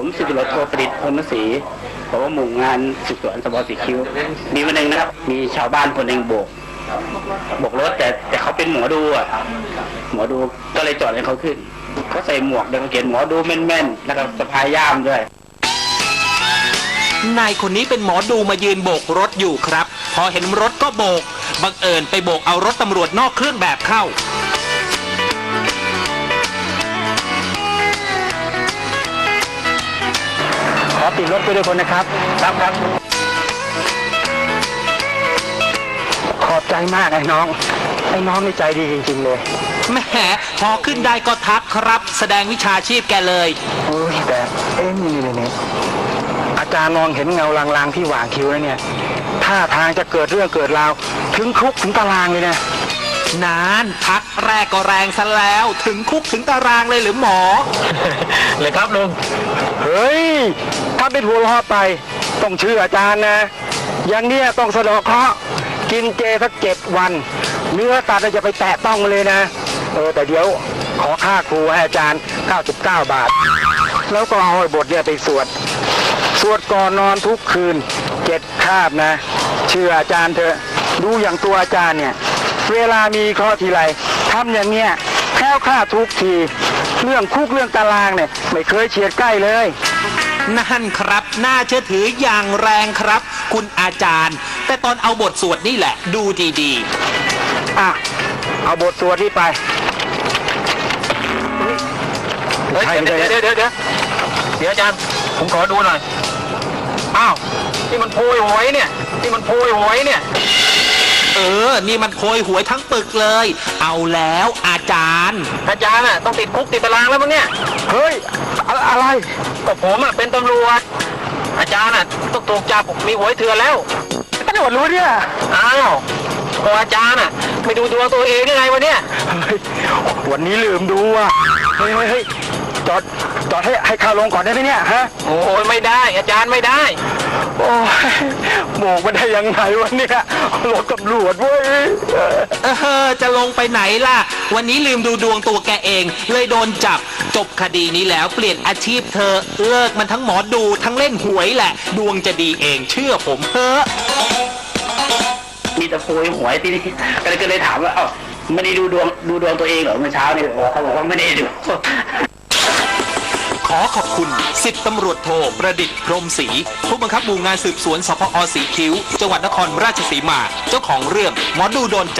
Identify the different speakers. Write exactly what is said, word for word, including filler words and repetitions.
Speaker 1: ผมสิบตำรวจโทประดิษฐ์พรหมศรีผมว่าหมู่งานสืบสวนสพสีคิ้วมีวันหนึ่งนะครับมีชาวบ้านคนหนึ่งโบกโบกรถแต่แต่เขาเป็นหมอดูอ่ะหมอดูก็เลยจอดให้เขาขึ้นเขาใส่หมวกเดินเกณฑ์หมอดูแม่นๆแล้วก็สะพายย่ามด้วย
Speaker 2: นายคนนี้เป็นหมอดูมายืนโบกรถอยู่ครับพอเห็นรถก็โบกบังเอิญไปโบกเอารถตำรวจนอกเครื่องแบบเข้า
Speaker 1: ขอติดรถไปด้วยคนนะครับครับครับขอบใจมากไอ้น้องไอ้น้องนี่ใจดีจริงๆเลย
Speaker 2: แหมพอขึ้นได้ก็ทักครับแสดงวิชาชีพแกเลย
Speaker 1: โอ้ยแต่เอ็นี่นี่นี่อาจารย์มองเห็นเงาลางๆที่หว่างคิ้วแล้วเนี่ยท่าทางจะเกิดเรื่องเกิดราวถึงคุกถึงตารางเลยนะ
Speaker 2: นานทักแรกก็แรงซะแล้วถึงคุกถึงตารางเลยหรือหมอ
Speaker 1: เลยครับลุงเฮ้ยถ้าเป็นหัวล้อไปต้องเชื่ออาจารย์นะอย่างเนี้ยต้องสะดอกเคราะห์กินเจสักเจ็ดวันเนื้อสัตว์จะไปแตะต้องเลยนะเออแต่เดี๋ยวขอค่าครูให้อาจารย์เก้าสิบเก้าบาทแล้วก็เอาบทเนี่ยไปสวดสวดก่อนนอนทุกคืนเจ็ดคาบนะเชื่ออาจารย์เถอะดูอย่างตัวอาจารย์เนี่ยเวลามีข้อทีไรทำอย่างเนี้ยแคล้วคลาดทุกทีเรื่องคุกเรื่องตารางเนี่ยไม่เคยเฉียดใกล้เลย
Speaker 2: นั่นครับน่าเชื่อถืออย่างแรงครับคุณอาจารย์แต่ตอนเอาบทสวดนี่แหละดูดี
Speaker 1: ๆอ่ะเอาบทสวดนี่ไป
Speaker 3: เฮ้ยเดี๋ยวเดี๋ยวเดี๋ยวเดี๋ยวเดี๋ยวอาจารย์ผมขอดูหน่อยอ้าวนี่มันโพยหวยเนี่ยนี่มันโพยหวยเนี่ย
Speaker 2: เออนี่มันโพยหวยทั้งปึกเลยเอาแล้วอาจารย์
Speaker 3: อาจารย์อ่ะต้องติดคุกติดตารางแล้วมั้งเนี่ย
Speaker 1: เฮ้ยอะไร
Speaker 3: ก็ผมอ่ะเป็นตำรวจอาจารย์อ่ะต้องถูกจับมีหวยเถื่อนแล้ว
Speaker 1: ตำรวจรู้เนี่ย
Speaker 3: อ้าวก็อาจารย์อ่ะไม่ดูดวงตัวเองได้ไงวะเนี่ย
Speaker 1: วันนี้ลืมดูอ่ะเฮ้ยเฮ้ยจอดจอดให้ให้ข้าลงก่อนได้ไหมเนี่ยฮะ
Speaker 3: โอ้ยไม่ได้อาจารย์ไม่ได้
Speaker 1: โอ้ยโมกมาได้ยังไงวะเนี่ยรถตำรวจเว้ย
Speaker 2: เออจะลงไปไหนล่ะวันนี้ลืมดูดวงตัวแกเองเลยโดนจับจบคดีนี้แล้วเปลี่ยนอาชีพเธอเลิกมันทั้งหมอดูทั้งเล่นหวยแหละดวงจะดีเองเชื่อผมเถอะ
Speaker 1: มีแต่โพยหวยที่นี่ก็เลยก็เลยถามว่าเอ้าไม่ได้ดูดวงดูดวงตัวเองเหรอเมื่อเช้านี่เขาบอกว่าไม่ได้ดู
Speaker 2: ขอขอบคุณสิบตำรวจโทประดิษฐ์พรหมศรีผู้บังคับหมู่งานสืบสวนสพอสีคิ้วจังหวัดนครราชสีมาเจ้าของเรื่องหมอดูโดน